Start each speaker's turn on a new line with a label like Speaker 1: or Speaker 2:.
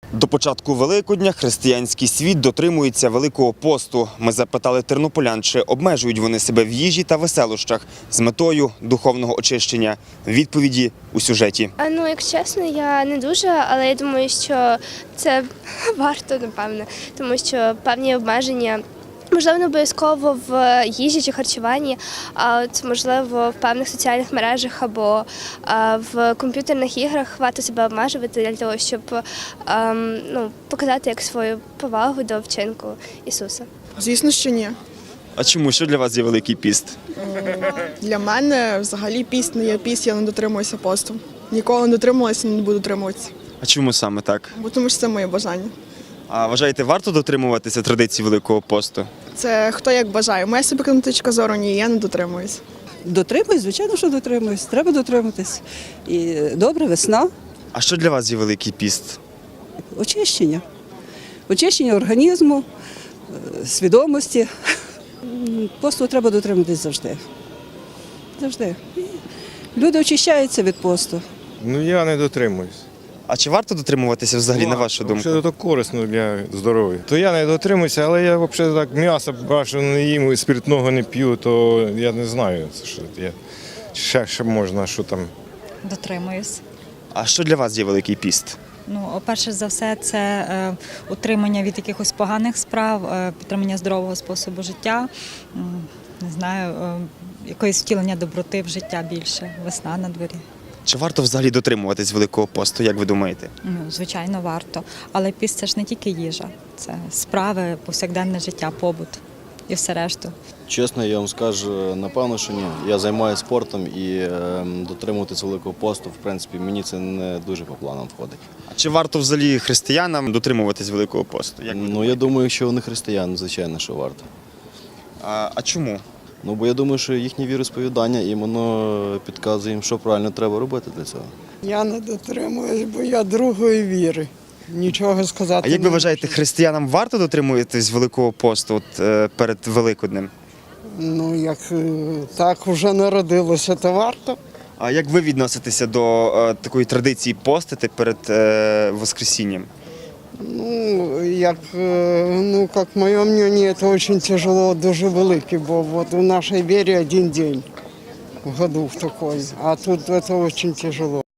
Speaker 1: До початку Великодня християнський світ дотримується Великого посту. Ми запитали тернополян, чи обмежують вони себе в їжі та веселощах з метою духовного очищення. Відповіді у сюжеті.
Speaker 2: Якщо чесно, я не дуже, але я думаю, що це варто, напевно, тому що певні обмеження, можливо, не обов'язково в їжі чи харчуванні, а от, можливо, в певних соціальних мережах або в комп'ютерних іграх варто себе обмежувати для того, щоб показати як свою повагу до вчинку Ісуса.
Speaker 3: Звісно, що ні.
Speaker 1: А чому? Що для вас є Великий піст?
Speaker 3: Для мене взагалі піст не є піст, я не дотримуюся посту. Ніколи не дотримувалася і не буду дотримуватися.
Speaker 1: А чому саме так?
Speaker 3: Бо тому що це моє бажання.
Speaker 1: А вважаєте, варто дотримуватися традицій Великого посту?
Speaker 3: Це хто як бажає. Моя собі точка зору ні, я не дотримуюсь.
Speaker 4: Дотримуюсь, звичайно, що дотримуюсь. Треба дотриматись. І добре, весна,
Speaker 1: А що для вас є Великий піст?
Speaker 4: очищення. Очищення організму, свідомості. Посту треба дотриматись завжди. Завжди. І люди очищаються від посту.
Speaker 5: Я не дотримуюсь.
Speaker 1: А чи варто дотримуватися взагалі, на вашу думку?
Speaker 5: Взагалі, то корисно для здоров'я. То я не дотримуюся, але я взагалі так м'ясо бачу, не їм, і спиртного не п'ю, то я не знаю, що я ще можна, що там.
Speaker 6: Дотримуюсь.
Speaker 1: А що для вас є Великий піст?
Speaker 6: Перше за все, це утримання від якихось поганих справ, підтримання здорового способу життя, не знаю, якоїсь втілення доброти в життя більше, весна на дворі.
Speaker 1: Чи варто взагалі дотримуватись Великого посту, як ви думаєте?
Speaker 6: Звичайно, варто. Але піст – це ж не тільки їжа, це справи, повсякденне життя, побут і все решту.
Speaker 7: Чесно, я вам скажу, напевно, що ні. Я займаюся спортом і дотримуватися Великого посту, в принципі, мені це не дуже по планам входить.
Speaker 1: А чи варто взагалі християнам дотримуватись Великого посту? Як ви думаєте?
Speaker 7: Я думаю, якщо вони християни, звичайно, що варто.
Speaker 1: А чому?
Speaker 7: Бо я думаю, що їхнє віросповідання, і воно підказує їм, що правильно треба робити для цього.
Speaker 8: Я не дотримуюсь, бо я другої віри. Нічого сказати.
Speaker 1: А як ви вважаєте, християнам варто дотримуватись Великого посту перед Великоднем?
Speaker 8: Як так вже народилося, то варто.
Speaker 1: А як ви відноситеся до такої традиції постити перед Воскресінням?
Speaker 8: Как моє мнение, це дуже тяжело, дуже велике, бо вот в нашій вірі один день в году в такой, а тут це дуже тяжело.